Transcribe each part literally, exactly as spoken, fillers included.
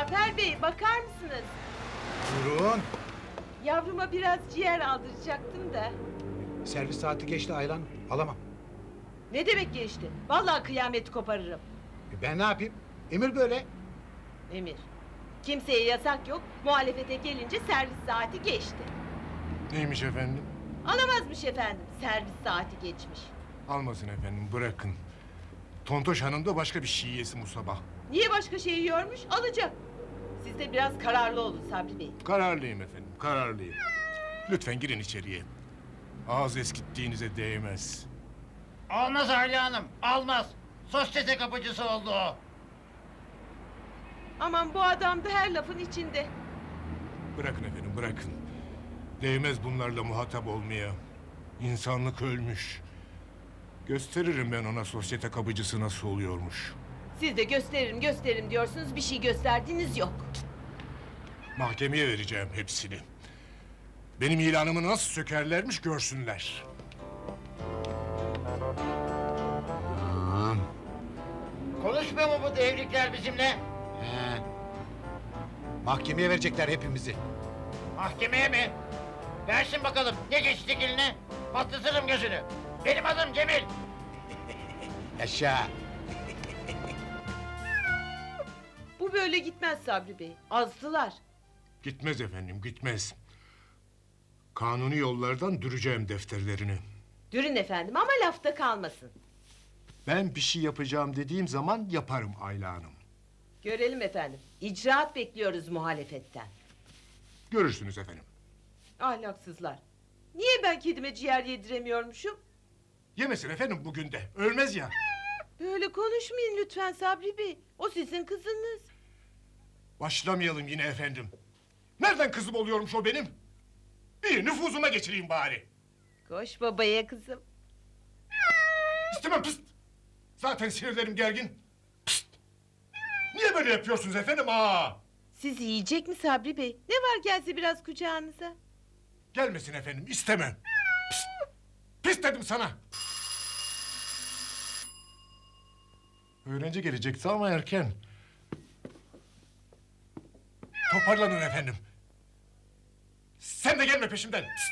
Cafer Bey, bakar mısınız? Buyurun. Yavruma biraz ciğer aldıracaktım da. Servis saati geçti Aylan. Alamam. Ne demek geçti? Vallahi kıyameti koparırım. E ben ne yapayım? Emir böyle. Emir, kimseye yasak yok. Muhalefete gelince servis saati geçti. Neymiş efendim? Alamazmış efendim, servis saati geçmiş. Almasın efendim, bırakın. Tontoş Hanım da başka bir şey yesin bu sabah. Niye başka şey yiyormuş? Alacak. Siz de biraz kararlı olun Sabri Bey. Kararlıyım efendim, kararlıyım. Lütfen girin içeriye. Ağız eskittiğinize değmez. Olmaz Ayla Hanım, almaz. Sosyete kapıcısı oldu o. Aman bu adam da her lafın içinde. Bırakın efendim, bırakın. Değmez bunlarla muhatap olmaya. İnsanlık ölmüş. Gösteririm ben ona sosyete kapıcısı nasıl oluyormuş. Siz de gösteririm gösteririm diyorsunuz, bir şey gösterdiğiniz yok. Mahkemeye vereceğim hepsini. Benim ilanımı nasıl sökerlermiş görsünler. Aman. Konuşmuyor mu bu devrikler bizimle? He. Mahkemeye verecekler hepimizi. Mahkemeye mi? Versin bakalım, ne geçti eline? Patlatırım gözünü. Benim adım Cemil. Yaşa. Bu böyle gitmez Sabri Bey. Azdılar. Gitmez efendim, gitmez. Kanuni yollardan düreceğim defterlerini. Dürün efendim ama lafta kalmasın. Ben bir şey yapacağım dediğim zaman yaparım Ayla Hanım. Görelim efendim. İcraat bekliyoruz muhalefetten. Görürsünüz efendim. Ahlaksızlar. Niye ben kedime ciğer yediremiyormuşum? Yemesin efendim bugün de, ölmez ya. Böyle konuşmayın lütfen Sabri Bey. O sizin kızınız. Başlamayalım yine efendim. Nereden kızım oluyormuş o benim? İyi, nüfuzuma geçireyim bari. Koş babaya kızım. İstemem, pıst! Zaten sinirlerim gergin. Pıst! Niye böyle yapıyorsunuz efendim? Aa! Siz yiyecek mi Sabri Bey? Ne var gelse biraz kucağınıza? Gelmesin efendim, istemem. Pıst! Pis dedim sana. Öğrenci gelecekti ama erken. Toparlanın efendim. Sen de gelme peşimden. Pıst!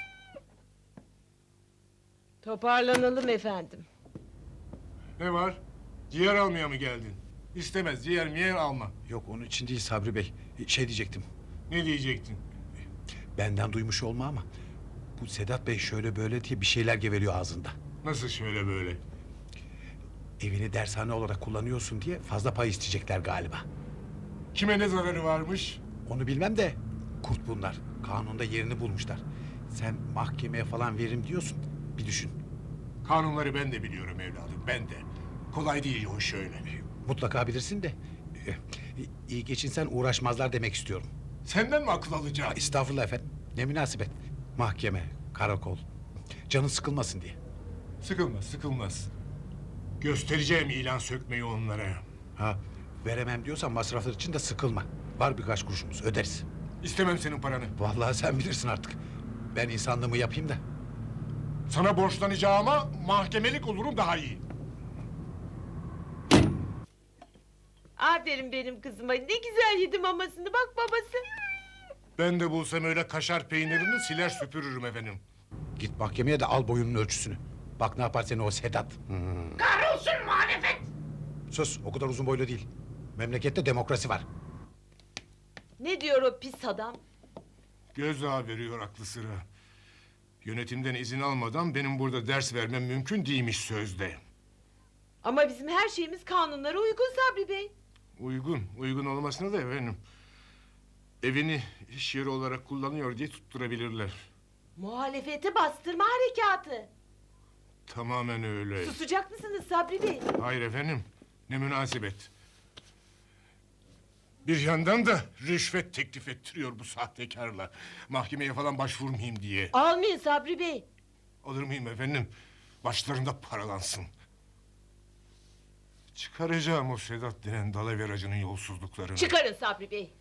Toparlanalım efendim. Ne var? Ciğer almaya mı geldin? İstemez, ciğer miyer alma. Yok onun için değil Sabri Bey. Şey diyecektim. Ne diyecektin? Benden duymuş olma ama... ...bu Sedat Bey şöyle böyle diye bir şeyler geveliyor ağzında. Nasıl şöyle böyle? Evini dershane olarak kullanıyorsun diye fazla pay isteyecekler galiba. Kime ne zararı varmış? Onu bilmem de kurt bunlar. Kanunda yerini bulmuşlar. Sen mahkemeye falan veririm diyorsun. Bir düşün. Kanunları ben de biliyorum evladım, ben de. Kolay değil o şöyle. Mutlaka bilirsin de... e, ...iyi geçinsen uğraşmazlar demek istiyorum. Senden mi akıl alacağım? Estağfurullah efendim. Ne münasebet. Mahkeme, karakol. Canın sıkılmasın diye. Sıkılmaz, sıkılmaz. Göstereceğim ilan sökmeyi onlara. Ha, veremem diyorsan masraflar için de sıkılma. Var birkaç kuruşumuz, öderiz. İstemem senin paranı. Vallahi sen bilirsin artık. Ben insanlığımı yapayım da. Sana borçlanacağıma mahkemelik olurum daha iyi. Aferin benim kızıma. Ne güzel yedi mamasını. Bak babası. Ben de bulsam öyle kaşar peynirini siler süpürürüm efendim. Git mahkemeye de al boyunun ölçüsünü. Bak ne yapar seni o Sedat. Hmm. Kahrolsun muhalefet! Sus, o kadar uzun boylu değil. Memlekette demokrasi var. Ne diyor o pis adam? Gözdağı veriyor aklı sıra. Yönetimden izin almadan benim burada ders vermem mümkün değilmiş sözde. Ama bizim her şeyimiz kanunlara uygun Sabri Bey. Uygun, uygun olmasına da efendim. Evini iş yeri olarak kullanıyor diye tutturabilirler. Muhalefeti bastırma harekatı. Tamamen öyle. Susacak mısınız Sabri Bey? Hayır efendim, ne münasebet. Bir yandan da rüşvet teklif ettiriyor bu sahtekarla. Mahkemeye falan başvurmayayım diye. Almayın Sabri Bey. Alır mıyım efendim? Başlarında paralansın. Çıkaracağım o Sedat denen dalaveracının yolsuzluklarını. Çıkarın Sabri Bey.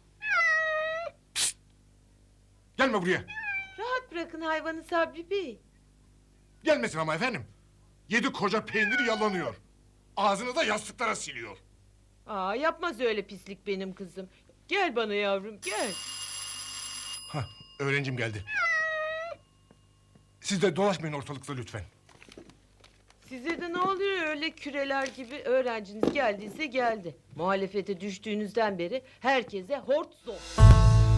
Gelme buraya. Rahat bırakın hayvanı Sabri Bey. Gelmesin ama efendim. Yedi koca peyniri yalanıyor. Ağzını da yastıklara siliyor. Aa, yapmaz öyle pislik benim kızım. Gel bana yavrum gel. Hah, öğrencim geldi. Siz de dolaşmayın ortalıkta lütfen. Size de ne oluyor öyle küreler gibi? Öğrenciniz geldiyse geldi. Muhalefete düştüğünüzden beri herkese hort zor.